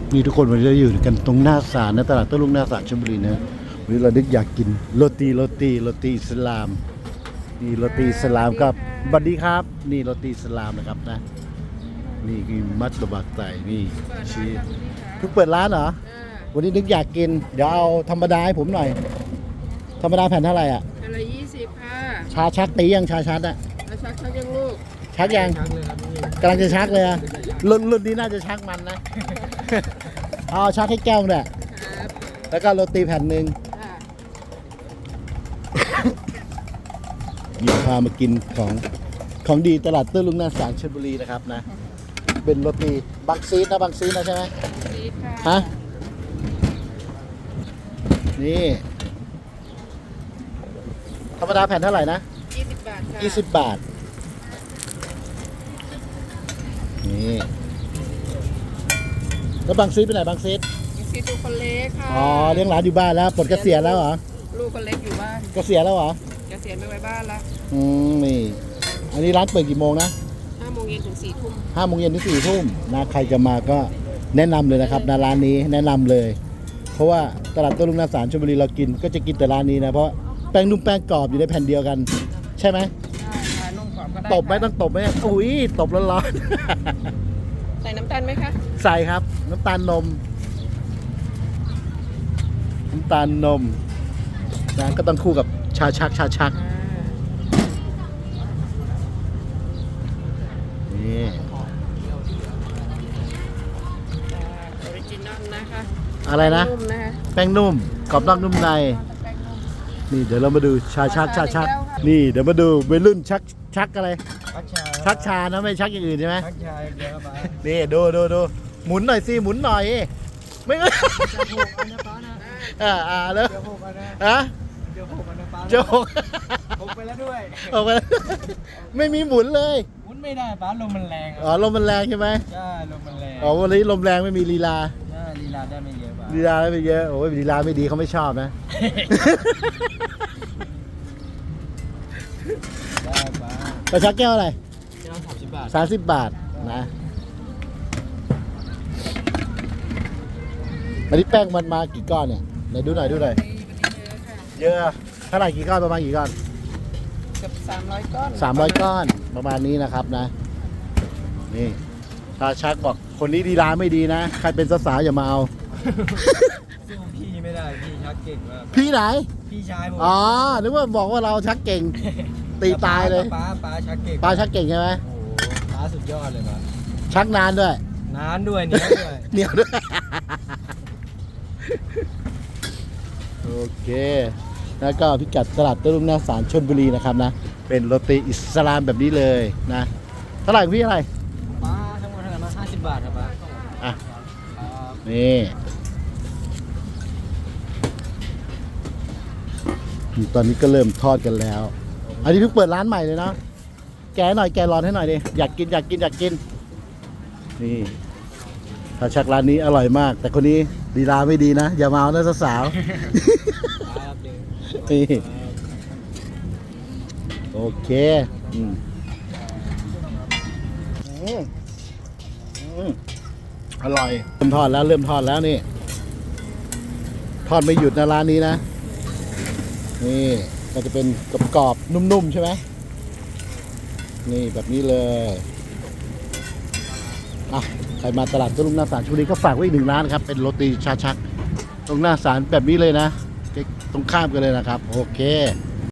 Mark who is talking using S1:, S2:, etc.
S1: นี่ทุกคนวันนี้เราอยู่กันตรงหน้าศาลนะตลาดโต้รุ่งหน้าศาลชลบุรีนะวันนี้เราดึกอยากกินโรตีอิสลามนี่โรตีอิสลามกับบัดดี้ครับนี่โรตีอิสลามนะครับนะนี่คือมัตตบักไตนี่ชีสเพิ่งเปิดร้านเหรอวันนี้นึกอยากกินเดี๋ยวเอาธรรมดาให้ผมหน่อยธรรมดาแผ่นเท่าไหร่อ่ะ
S2: แผ่นละ20ค่ะ
S1: ชาชักตียังชาชักอ่ะ
S2: แล้วชักยังลูก
S1: ชักยังกำลังจะชักเลยอ่ะรุ่นนี้น่าจะชักมันนะ เอาชักให้แก้วเนี่ยแล้วก็โรตีแผ่นหนึ่งมีพามากินของดีตลาดโต้รุ่งหน้าศาลชลบุรีนะครับนะเป็นโรตีบางซีดนะบางซีดนะใช่ไหมฮะนี่ธรรมดาแผ่นเท่าไหร่นะ
S2: 20 บาทค่ะ
S1: 20 บาทนี่แล้วบางซีดไปไหนบางซีด
S2: ดูคนเล็กค่ะ
S1: อ๋อเลี้ยงหลานอยู่บ้านแล้วปลดเกษียณแล้วเหรอ
S2: ลูกคนเล็กอยู่บ้าน
S1: เกษียณแล้วเหรอ
S2: เกษียณไปไว้บ้านแล้ว
S1: นี่อันนี้ร้านเปิดกี่โมงนะ
S2: 5 โมงเย็นถึง 4 ทุ่ม
S1: 5 โมงเย็นถึง 4 ทุ่มนะใครจะมาก็แนะนำเลยนะครับในร้านนี้แนะนำเลยเพราะว่าตลาดโต้รุ่งหน้าศาลชลบุรีเรากินก็จะกินแต่ร้านนี้นะเพราะแป้งนุ่มแป้งกรอบอยู่ในแผ่นเดียวกันใช่ไหม
S2: ค่ะนุ่มกรอบก็ได้
S1: ตบไหมต้องตบไหมอุ้ยตบร้อน
S2: ๆใส่น้ำตาลไหมคะ
S1: ใส่ครับน้ำตาลนมนะก็ต้องคู่กับชาชักนี่
S2: ออริจินอลนะคะ
S1: อะไรนะแป้งนุ่มกรอบนอกนุ่มในนี่เดี๋ยวเรามาดูชาชักนี่เดี๋ยวมาดูวัยรุ่นชักอะไรชักชานะไม่ชักอย่างอื่นใช่ไหมชักชาเดียวนี่ดูหมุนหน่อยสิหมุนหน่อยไม่ก็แล้วเดี๋ยวผมไปแล้วด้วยไม่มีหมุนเลย
S3: หมุนไม่ได้ป้าลมมันแรง
S1: อ๋อลมมันแรงใช่ไหม
S3: ใช่ลมมันแรง
S1: อ๋อวันนี้ลมแรงไม่มีลีลา
S3: ลีลาได้ไม่เยอะป้า
S1: ลีลาได้ไม่เยอะโอ้ยลีลาไม่ดีเขาไม่ชอบนะ
S3: ได้ป้า
S1: ไปชักแก้วอะไร
S3: แก้ว30 บาท
S1: 30 บาทนะอันนี้แป้งมันมากี่ก้อนเนี่ยไหนดูหน่อยเยอะเท่าไหร่กี่ก้อนประมาณกี่ก้อน
S2: เกือบ300 ก้อน
S1: 300 ก้อนประมาณนี้นะครับนะนี่ถ้าชักบอกคนนี้ดีร้านไม่ดีนะใครเป็นสาวๆอย่ามาเอา
S3: สู้พี่ไม่ได้พี่ชักเก่งมาก
S1: พี่ไหน
S3: พี่ชายผม
S1: อ๋อนึกว่าบอกว่าเราชักเก่งตีตายเลย
S3: ป้าชักเก่ง
S1: ป้าชักเก่งใช่ไหม
S3: โอ้ป้าสุดยอดเลยป้า
S1: ชักนานด้วย
S3: เหนียว
S1: ด้วยโอเคแล้วก็พิกัดตลาดโต้รุ่งหน้าศาลชลบุรีนะครับนะเป็นโรตีอิสลามแบบนี้เลยนะเท่าไหร่พี่อะไร
S3: ป้าทั้งหมดเท่าไหร่มา50 บาทครับป้า
S1: อ่ะนี่ตอนนี้ก็เริ่มทอดกันแล้วอันนี้เพิ่งเปิดร้านใหม่เลยนะแกหน่อยแกร้อนให้หน่อยดิอยากกินนี่ถ้าชักร้านนี้อร่อยมากแต่คนนี้ลีลาไม่ดีนะอย่ามาเอานะสาวๆนี่โอเคอร่อยเริ่มทอดแล้วนี่ทอดไม่หยุดนะร้านนี้นะนี่ก็จะเป็นกรอบๆนุ่มๆใช่ไหมนี่แบบนี้เลยอ่ะใครมาตลาดโต้รุ่งหน้าศาลชลบุรีก็ฝากไว้อีก1 ร้านครับเป็นโรตีชาชักตรงหน้าศาลแบบนี้เลยนะตรงข้ามกันเลยนะครับโอเค